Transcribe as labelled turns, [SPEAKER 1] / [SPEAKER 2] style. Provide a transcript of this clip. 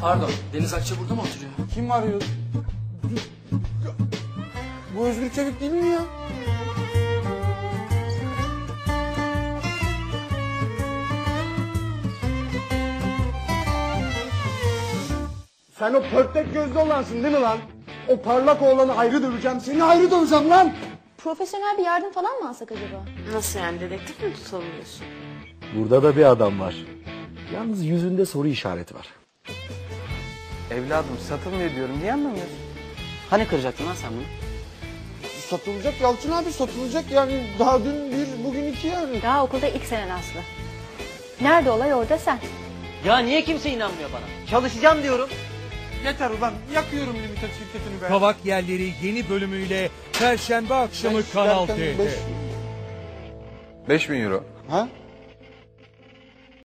[SPEAKER 1] Pardon, Deniz Akça burada mı oturuyor?
[SPEAKER 2] Kim arıyor? Bu Özgür Çevik değil mi ya? Sen o pörtlek gözlü olansın değil mi lan? O parlak oğlanı ayrı döveceğim, seni ayrı döveceğim lan!
[SPEAKER 3] Profesyonel bir yardım falan mı alsak acaba?
[SPEAKER 4] Nasıl yani, dedektif mi tutalım diyorsun?
[SPEAKER 5] Burada da bir adam var. Yalnız yüzünde soru işareti var.
[SPEAKER 6] Evladım satılmıyor diyorum. Niye anlamıyorsun?
[SPEAKER 1] Hani kıracaktın lan sen bunu?
[SPEAKER 2] Satılacak Yalçın abi, satılacak yani. Daha dün bir, bugün iki yani.
[SPEAKER 3] Daha okulda ilk senen Aslı. Nerede olay orada sen.
[SPEAKER 1] Ya niye kimse inanmıyor bana? Çalışacağım diyorum.
[SPEAKER 2] Yeter ulan, yakıyorum limited şirketini be.
[SPEAKER 7] Kavak Yerleri yeni bölümüyle Perşembe akşamı
[SPEAKER 2] Ben
[SPEAKER 7] Kanal
[SPEAKER 2] derken
[SPEAKER 7] D'de.
[SPEAKER 6] 5.000 euro.
[SPEAKER 2] Ha?